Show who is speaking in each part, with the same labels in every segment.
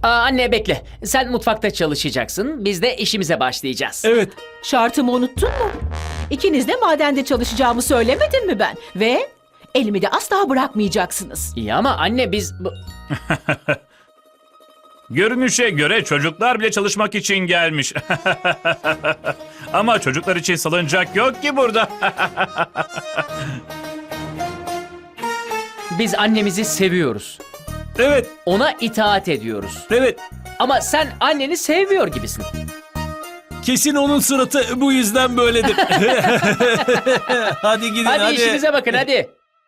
Speaker 1: Anne bekle. Sen mutfakta çalışacaksın. Biz de işimize başlayacağız.
Speaker 2: Evet.
Speaker 3: Şartımı unuttun mu? İkiniz de madende çalışacağımı söylemedim mi ben? Ve elimi de asla bırakmayacaksınız.
Speaker 1: İyi ama anne biz...
Speaker 4: Görünüşe göre çocuklar bile çalışmak için gelmiş. Ama çocuklar için salıncak yok ki burada.
Speaker 1: Biz annemizi seviyoruz.
Speaker 2: Evet.
Speaker 1: Ona itaat ediyoruz.
Speaker 2: Evet.
Speaker 1: Ama sen anneni sevmiyor gibisin.
Speaker 2: Kesin onun suratı bu yüzden böyledir. Hadi gidin
Speaker 1: Hadi işinize bakın hadi.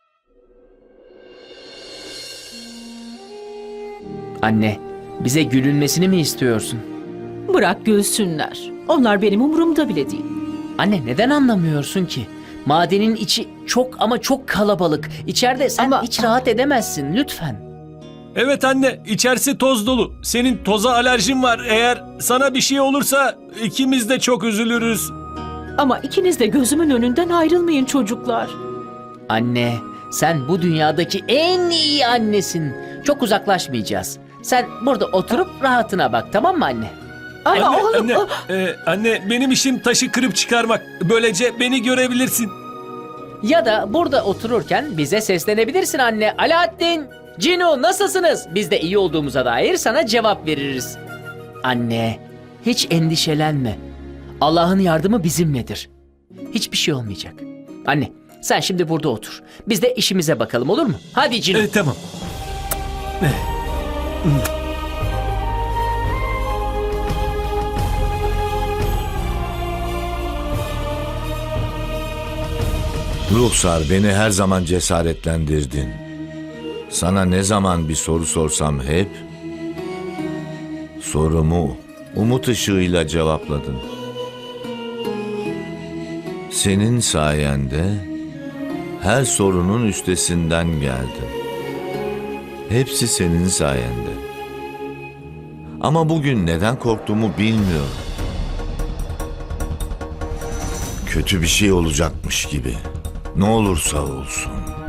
Speaker 1: Anne, bize gülünmesini mi istiyorsun?
Speaker 3: Bırak gülsünler. Onlar benim umurumda bile değil.
Speaker 1: Anne neden anlamıyorsun ki? Madenin içi çok ama çok kalabalık. İçeride sen
Speaker 3: Ama-
Speaker 1: hiç rahat edemezsin lütfen.
Speaker 2: Evet anne, içerisi toz dolu. Senin toza alerjin var. Eğer sana bir şey olursa ikimiz de çok üzülürüz.
Speaker 3: Ama ikiniz de gözümün önünden ayrılmayın çocuklar.
Speaker 1: Anne, sen bu dünyadaki en iyi annesin. Çok uzaklaşmayacağız. Sen burada oturup rahatına bak, tamam mı anne?
Speaker 3: Ama
Speaker 2: Anne,
Speaker 3: oğlum...
Speaker 2: anne benim işim taşı kırıp çıkarmak. Böylece beni görebilirsin.
Speaker 1: Ya da burada otururken bize seslenebilirsin anne. Alaaddin, Cino nasılsınız? Biz de iyi olduğumuza dair sana cevap veririz. Anne, hiç endişelenme. Allah'ın yardımı bizimledir. Hiçbir şey olmayacak. Anne, sen şimdi burada otur. Biz de işimize bakalım, olur mu? Hadi Cino.
Speaker 2: Tamam.
Speaker 5: Ruhsar, beni her zaman cesaretlendirdin. Sana ne zaman bir soru sorsam hep sorumu umut ışığıyla cevapladın. Senin sayende her sorunun üstesinden geldim. Hepsi senin sayende. Ama bugün neden korktuğumu bilmiyorum. Kötü bir şey olacakmış gibi. Ne olursa olsun.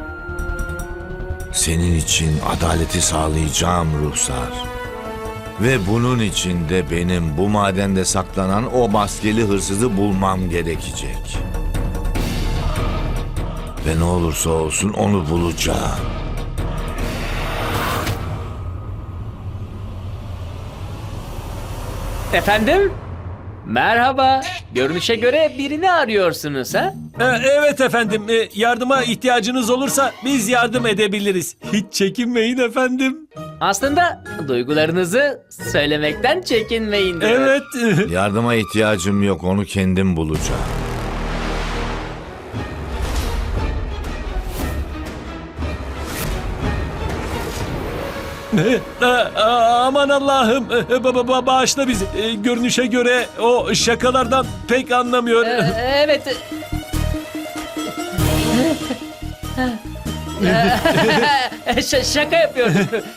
Speaker 5: Senin için adaleti sağlayacağım Ruhsar. Ve bunun için de benim bu madende saklanan o maskeli hırsızı bulmam gerekecek. Ve ne olursa olsun onu bulacağım.
Speaker 1: Efendim? Merhaba. Görünüşe göre birini arıyorsunuz ha?
Speaker 2: Evet efendim, yardıma ihtiyacınız olursa biz yardım edebiliriz. Hiç çekinmeyin efendim.
Speaker 1: Aslında duygularınızı söylemekten çekinmeyin.
Speaker 2: Evet.
Speaker 5: Yardıma ihtiyacım yok, onu kendim bulacağım.
Speaker 2: Aman Allah'ım, bağışla bizi. Görünüşe göre o şakalardan pek anlamıyor.
Speaker 1: Evet. Şaka yapıyorum.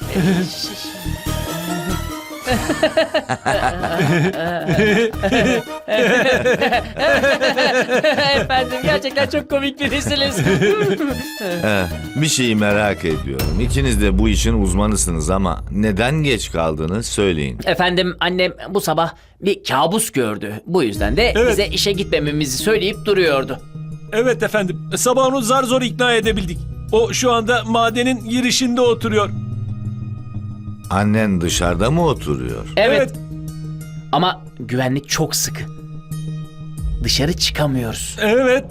Speaker 1: Efendim gerçekten çok komik birisiniz.
Speaker 5: Bir şeyi merak ediyorum. İkiniz de bu işin uzmanısınız ama neden geç kaldınız söyleyin.
Speaker 1: Efendim annem bu sabah bir kabus gördü. Bu yüzden de
Speaker 2: Evet.
Speaker 1: bize işe gitmememizi söyleyip duruyordu.
Speaker 2: Evet efendim, sabah onu zar zor ikna edebildik. O şu anda madenin girişinde oturuyor.
Speaker 5: Annen dışarıda mı oturuyor?
Speaker 1: Evet. Ama güvenlik çok sıkı. Dışarı çıkamıyoruz.
Speaker 2: Evet.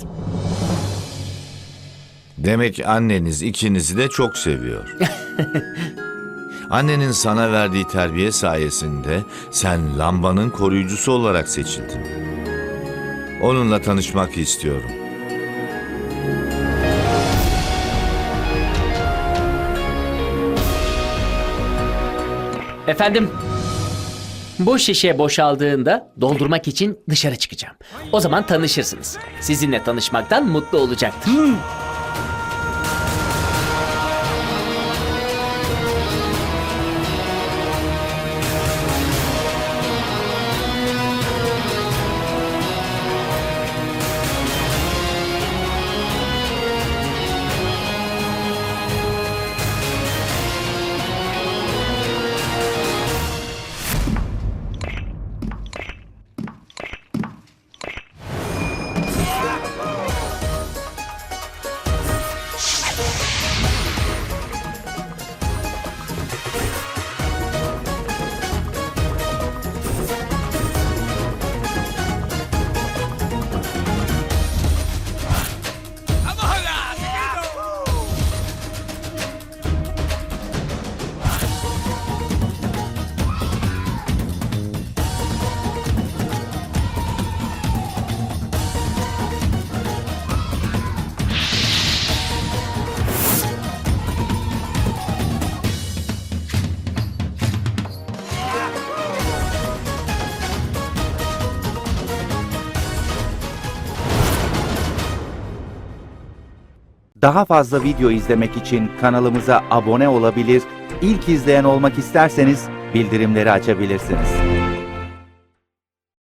Speaker 5: Demek anneniz ikinizi de çok seviyor. Annenin sana verdiği terbiye sayesinde sen lambanın koruyucusu olarak seçildin. Onunla tanışmak istiyorum.
Speaker 1: Efendim, bu şişe boşaldığında doldurmak için dışarı çıkacağım. O zaman tanışırsınız. Sizinle tanışmaktan mutlu olacaktır.
Speaker 6: Daha fazla video izlemek için kanalımıza abone olabilir, ilk izleyen olmak isterseniz bildirimleri açabilirsiniz.